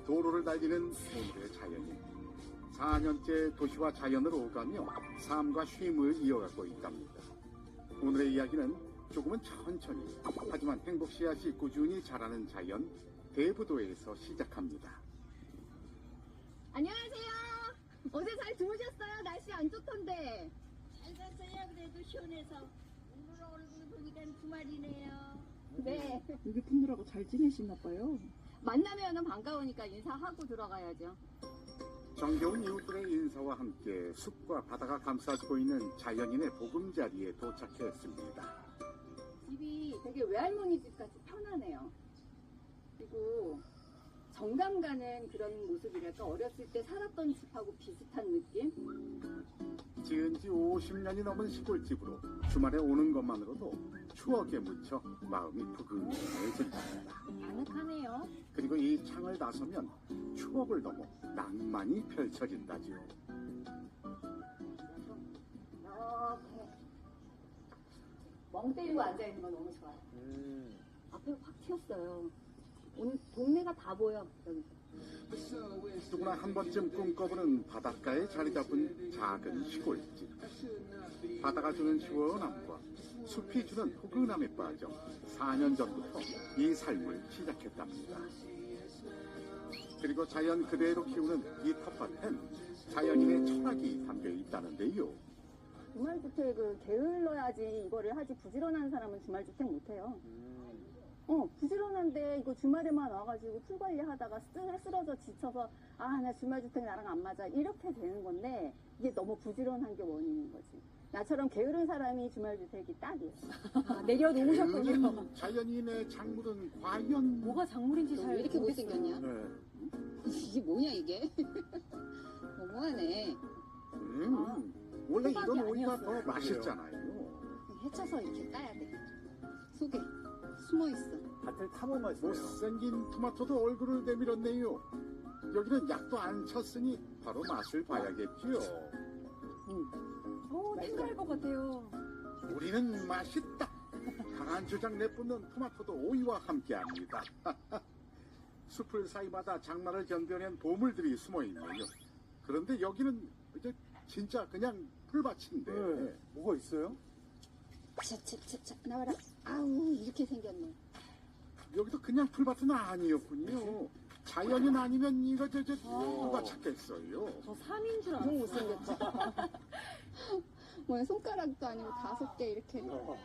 도로를 달리는 오늘의 자연인. 4년째 도시와 자연을 오가며 삶과 쉼을 이어가고 있답니다. 오늘의 이야기는 조금은 천천히 하지만 행복 씨앗이 꾸준히 자라는 자연 대부도에서 시작합니다. 안녕하세요. 어제 잘 주무셨어요? 날씨 안 좋던데. 잘 잤어요. 그래도 시원해서 오늘 얼굴 보니까 주말이네요. 네. 여기 분들하고 잘 지내시나 봐요. 만나면은 반가우니까 인사하고 들어가야죠. 정겨운 이웃들의 인사와 함께 숲과 바다가 감싸주고 있는 자연인의 보금자리에 도착했습니다. 집이 되게 외할머니 집 같이 편하네요. 그리고 정감 가는 그런 모습이랄까, 어렸을 때 살았던 집하고 비슷한 느낌? 지은 지 50년이 넘은 시골집으로 주말에 오는 것만으로도 추억에 묻혀 마음이 푸근해진답니다. 아늑하네요. 그리고 이 창을 나서면 추억을 넘어 낭만이 펼쳐진다지요. 이렇게 멍 때리고 앉아있는 거 너무 좋아요. 앞에 확 튀었어요. 오늘 동네가 다 보여, 여기서. 누구나 한 번쯤 꿈꿔보는 바닷가에 자리 잡은 작은 시골집. 바다가 주는 시원함과 숲이 주는 포근함에 빠져 4년 전부터 이 삶을 시작했답니다. 그리고 자연 그대로 키우는 이 텃밭엔 자연인의 철학이 담겨 있다는데요. 주말주택을 게을러야지 이거를 하지, 부지런한 사람은 주말주택 못해요. 부지런한데 이거 주말에만 와가지고 풀 관리하다가 쓰러져 지쳐서 나 주말주택 나랑 안 맞아 이렇게 되는 건데, 이게 너무 부지런한 게 원인인 거지. 나처럼 게으른 사람이 주말주택이 딱이에요. 내려놓으셨군요. 게으른 자연인의 작물은 과연 뭐가 작물인지 잘 왜 이렇게 모르겠어요. 못생겼냐? 네. 이게 뭐냐 이게? 너무하네. 원래 호박이 이런 오이가 아니었어요. 더 맛있잖아요. 헤쳐서 이렇게 따야 돼. 속에 숨어있어. 밭을 탐험하시네요 못생긴 토마토도 얼굴을 내밀었네요. 여기는 약도 안 쳤으니 바로 맛을 봐야겠지요. 탱글할 것 같아요. 우리는 맛있다. 강한 주장 내뿜는 토마토도 오이와 함께합니다. 숲을 사이마다 장마를 견뎌낸 보물들이 숨어있네요. 그런데 여기는 이제 진짜 그냥 풀밭인데 네. 뭐가 있어요? 차차차차 나와라. 아우 이렇게 생겼네. 여기도 그냥 풀밭은 아니었군요. 자연인 아니면 이거 누가 찾겠어요. 저 3인 줄 너무 알았어요. 못생겼죠? 뭐 손가락도 아니고 5개 이렇게.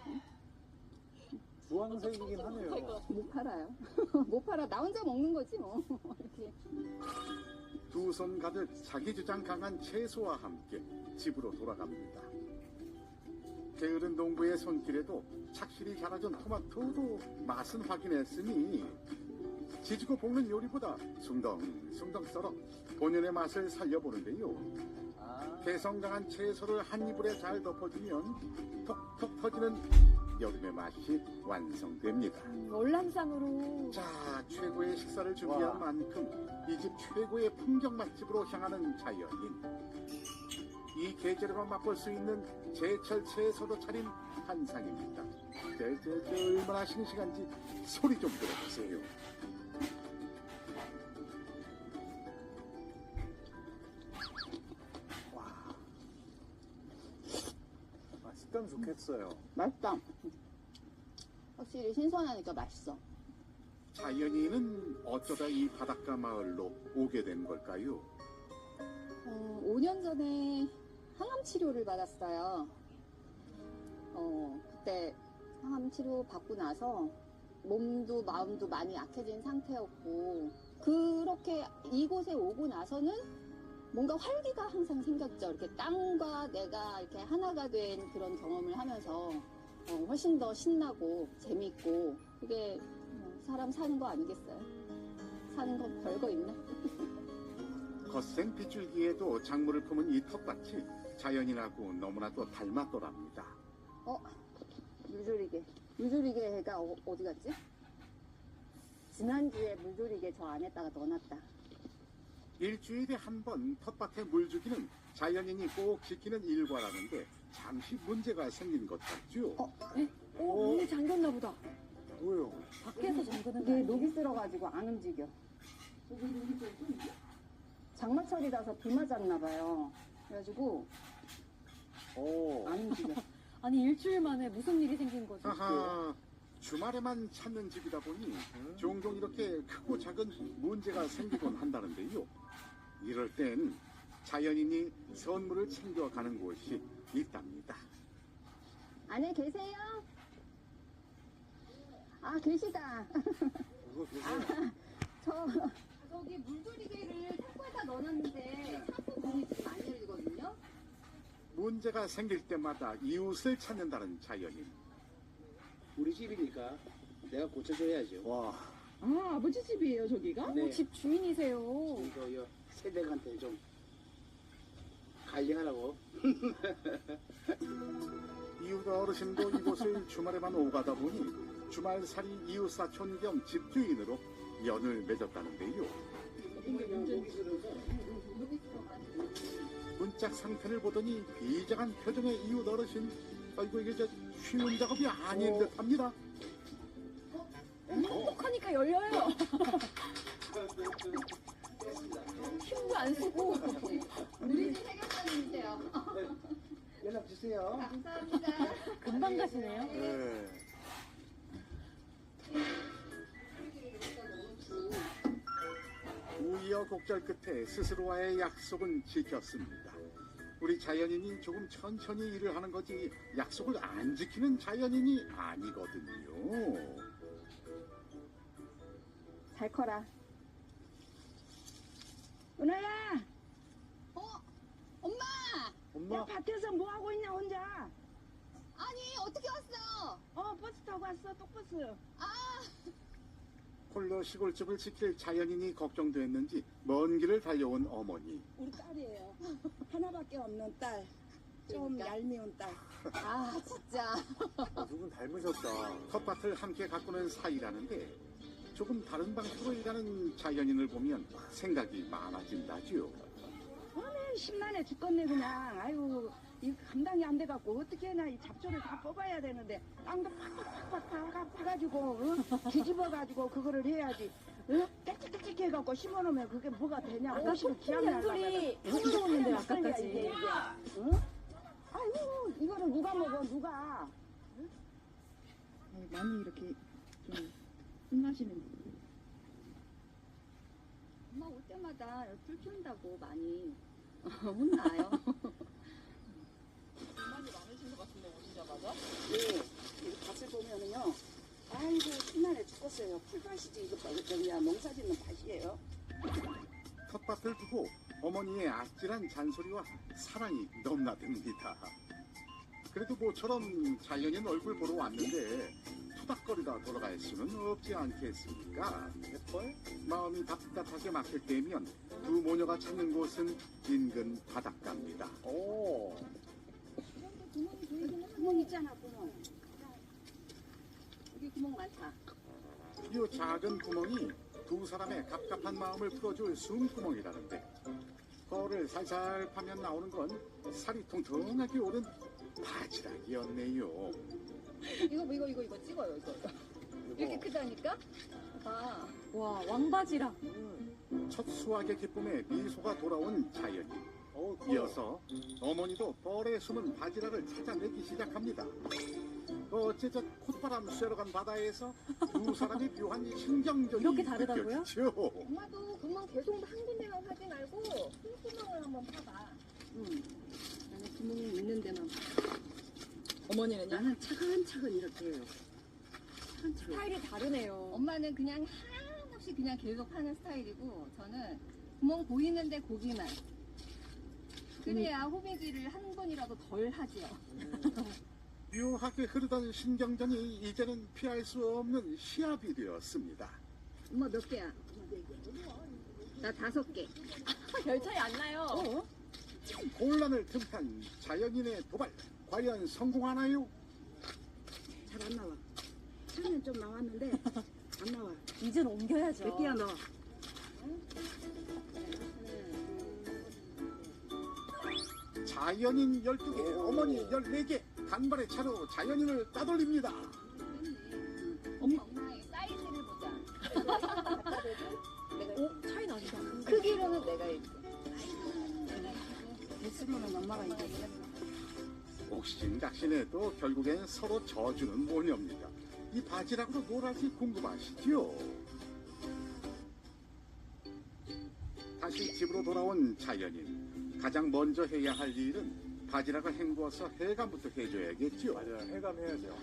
주황색이긴 하네요. 못 팔아요. 못 팔아. 나 혼자 먹는 거지 뭐. 이렇게. 두 손 가득 자기 주장 강한 채소와 함께 집으로 돌아갑니다. 게으른 농부의 손길에도 착실히 자라준 토마토도 맛은 확인했으니 지지고 볶는 요리보다 숭덩숭덩 썰어 본연의 맛을 살려보는데요. 개성 강한 채소를 한 이불에 잘 덮어주면 톡톡 터지는 여름의 맛이 완성됩니다. 월남상으로. 자, 최고의 식사를 준비한 와. 만큼 이 집 최고의 풍경 맛집으로 향하는 자연인. 이 계절에만 맛볼 수 있는 제철 채소로 차린 한상입니다. 얼마나 싱싱한지 소리 좀 들어보세요. 식감 좋겠어요. 맛있다. 확실히 신선하니까 맛있어. 자연인은 어쩌다 이 바닷가 마을로 오게 된 걸까요? 5년 전에 항암 치료를 받았어요. 그때 항암 치료 받고 나서 몸도 마음도 많이 약해진 상태였고, 그렇게 이곳에 오고 나서는 뭔가 활기가 항상 생겼죠. 이렇게 땅과 내가 이렇게 하나가 된 그런 경험을 하면서 훨씬 더 신나고 재밌고, 그게 사람 사는 거 아니겠어요? 사는 건 별거 있나? 거센 빗줄기에도 작물을 품은 이 텃밭이 자연인하고 너무나도 닮았더랍니다. 물조리개가 어디 갔지? 지난주에 물조리개 저 안에다가 넣어놨다. 일주일에 한 번 텃밭에 물 주기는 자연인이 꼭 지키는 일과라는데 잠시 문제가 생긴 것 같죠? 문이 잠겼나 보다. 뭐예요? 밖에서 잠그는 게 이게 아니에요? 녹이 쓸어가지고 안 움직여. 장마철이라서 비 맞았나 봐요. 그래가지고 오. 안 움직여. 아니 일주일 만에 무슨 일이 생긴 거죠? 하하, 주말에만 찾는 집이다 보니 종종 이렇게 크고 작은 문제가 생기곤 한다는데요. 이럴 땐 자연인이 선물을 챙겨가는 곳이 있답니다. 안에 계세요? 아 계시다. 이거 계세요. 저기 물조리개를 탁구에다 넣어놨는데 탁구 문이 지금 안 열리거든요. 문제가 생길 때마다 이웃을 찾는다는 자연인. 우리 집이니까 내가 고쳐줘야죠. 와. 아, 아버지 집이에요, 저기가? 네. 집 주인이세요. 이거 요 새댁한테 좀 관리하라고. 이웃 어르신도 이곳을 주말에만 오가다 보니 주말살이 이웃사촌 겸 집주인으로 연을 맺었다는데요. 문짝 상태를 보더니 비장한 표정의 이웃 어르신. 아이고 이게 저 쉬운 작업이 아닌 듯합니다. 똑똑하니까 열려요. 힘도 안 쓰고. 우리 집 해결사님이세요. 연락 주세요. 감사합니다. 금방 가시네요. 네. 우여곡절 끝에 스스로와의 약속은 지켰습니다. 우리 자연인이 조금 천천히 일을 하는 거지 약속을 안 지키는 자연인이 아니거든요. 잘 커라. 은하야, 엄마! 엄마. 야, 밭에서 뭐 하고 있냐, 혼자? 아니 어떻게 왔어? 버스 타고 왔어, 똑버스. 홀로 시골집을 지킬 자연인이 걱정됐는지 먼 길을 달려온 어머니. 우리 딸이에요. 하나밖에 없는 딸. 좀 그러니까. 얄미운 딸. 아 진짜. 두 분 닮으셨다. 텃밭을 함께 가꾸는 사이라는데 조금 다른 방식으로 일하는 자연인을 보면 생각이 많아진다죠. 심란해 죽겠네, 그냥. 아유, 이 감당이 안 돼갖고, 어떻게 해나 이 잡초를 다 뽑아야 되는데, 땅도 팍팍팍팍 파가지고, 뒤집어가지고, 그거를 해야지. 깨끗깨끗 해갖고 심어놓으면 그게 뭐가 되냐. 아가씨도 기합 잔소리 흥미로웠는데 아까까지. 아이고, 이거를 누가 먹어, 누가. 많이 이렇게 좀 혼나시는 엄마 올 때마다 풀 키운다고 많이 혼나요. 예, 이 밭을 보면은요, 아이고, 심란해 죽겠어요. 풀밭이지, 이거 그냥 농사 짓는 밭이에요. 텃밭을 두고 어머니의 아찔한 잔소리와 사랑이 넘나듭니다. 그래도 모처럼 자연인 얼굴 보러 왔는데 투닥거리다 돌아갈 수는 없지 않겠습니까? 마음이 답답하게 막힐 때면 두 모녀가 찾는 곳은 인근 바닷가입니다. 오. 구멍 있잖아, 구멍. 여기 구멍 많다. 이 작은 구멍이 두 사람의 갑갑한 마음을 풀어줄 숨구멍이라는데 거를 살살 파면 나오는 건 살이 통통하게 오른 바지락이었네요. 이거 찍어요 이거. 이렇게 크다니까? 봐. 와 왕바지락. 첫 수확의 기쁨에 미소가 돌아온 자연인. 이어서 어머니도 벌에 숨은 바지락을 찾아내기 시작합니다. 어째 저 콧바람 쐬러 간 바다에서 두 사람이 묘한 신경전이 이렇게 다르다고요? 느껴지죠. 엄마도 구멍 계속 한 군데만 파지 말고 콩구멍을 한번 파봐. 나는 구멍이 있는 데만 봐. 어머니는요? 나는 차근차근 이렇게 해요. 차근차근. 스타일이 다르네요. 엄마는 그냥 한없이 그냥 계속 파는 스타일이고 저는 구멍 보이는데 고기만. 그래야 호비기를 한 번이라도 덜 하지요. 묘하게 흐르던 신경전이 이제는 피할 수 없는 시합이 되었습니다. 엄마 몇 개야? 나 5개. 별 차이 안 나요. 곤란을 틈탄 자연인의 도발 과연 성공하나요? 잘 안 나와. 처음엔 좀 나왔는데, 안 나와. 이젠 옮겨야죠. 몇 개야, 너? 자연인 12개, 어머니 14개, 간발의 차로 자연인을 따돌립니다. 엄마의 사이즈를 보자. 차이 내가 이렇게. 뱃으로는 엄마가 이겼어. 옥신각신해도 결국엔 서로 져주는 모녀입니다. 이 바지락으로 뭘 할지 궁금하시죠? 다시 집으로 돌아온 자연인. 가장 먼저 해야 할 일은 바지락을 헹구어서 해감부터 해줘야겠죠. 맞아요. 해감해야죠.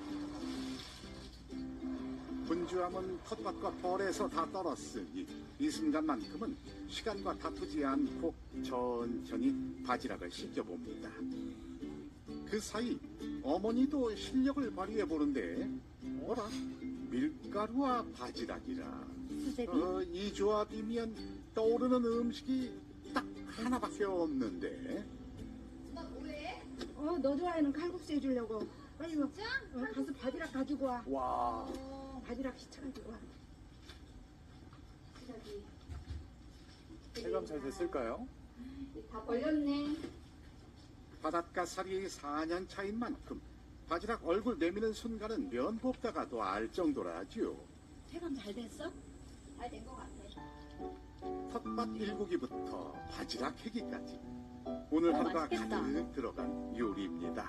분주함은 텃밭과 벌에서 다 떨었으니 이 순간만큼은 시간과 다투지 않고 천천히 바지락을 씻겨봅니다. 그 사이 어머니도 실력을 발휘해 보는데 뭐라? 밀가루와 바지락이라. 수제비? 이 조합이면 떠오르는 음식이 딱 하나밖에 없는데. 너 좋아하는 칼국수 해주려고. 빨리 가서 바지락 가지고 와. 와. 바지락 시쳐가지고 와. 해감 잘 됐을까요? 다 걸렸네. 바닷가살이 4년 차인 만큼 바지락 얼굴 내미는 순간은 면 볶다가도 알 정도라죠. 해감 잘 됐어? 잘 된 것 같아. 텃밭 일고기부터 바지락 해기까지 오늘 하루가 맛있겠다. 가득 들어간 요리입니다.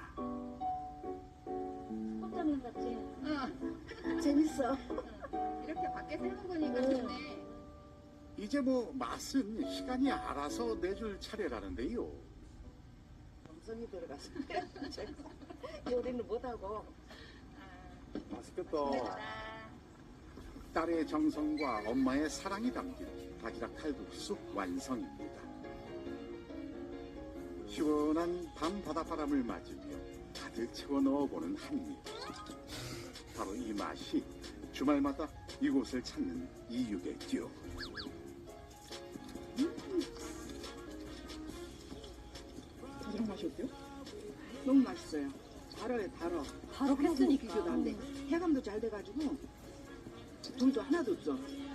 꼼짝님 같지? 재밌어. 이렇게 밖에서 해먹으니까 좋네. 이제 뭐 맛은 시간이 알아서 내줄 차례라는데요. 정성이 들어가서. 요리는 못하고. 맛있겠다. 딸의 정성과 엄마의 사랑이 담긴 바지락 칼국수 완성입니다. 시원한 밤 바닷바람을 맞으며 가득 채워 넣어보는 한 입. 바로 이 맛이 주말마다 이곳을 찾는 이유겠죠. 바지락 맛이 어때요? 너무 맛있어요. 달아요, 달아. 바로 했으니 비교도 안 돼. 해감도 잘 돼가지고 불도 하나도 없어.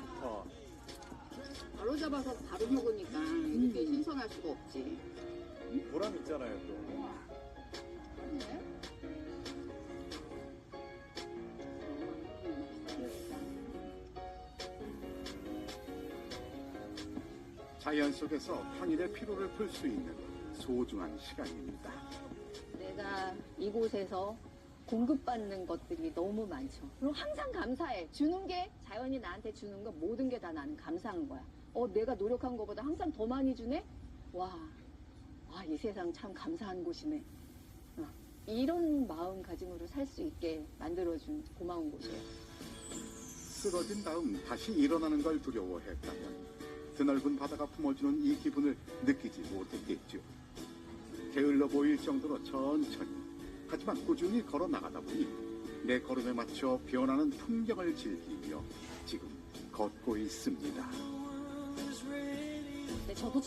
바로 잡아서 바로 먹으니까 이렇게 신선할 수가 없지. 보람 있잖아요, 또. 자연 속에서 평일의 피로를 풀 수 있는 소중한 시간입니다. 내가 이곳에서 공급받는 것들이 너무 많죠. 그리고 항상 감사해. 주는 게, 자연이 나한테 주는 거 모든 게 다 나는 감사한 거야. 내가 노력한 것보다 항상 더 많이 주네? 와, 이 세상 참 감사한 곳이네. 이런 마음가짐으로 살 수 있게 만들어준 고마운 곳이에요. 쓰러진 다음 다시 일어나는 걸 두려워했다면 드넓은 바다가 품어주는 이 기분을 느끼지 못했겠죠. 게을러 보일 정도로 천천히 하지만 꾸준히 걸어 나가다 보니 내 걸음에 맞춰 변하는 풍경을 즐기며 지금 걷고 있습니다. 근데 저도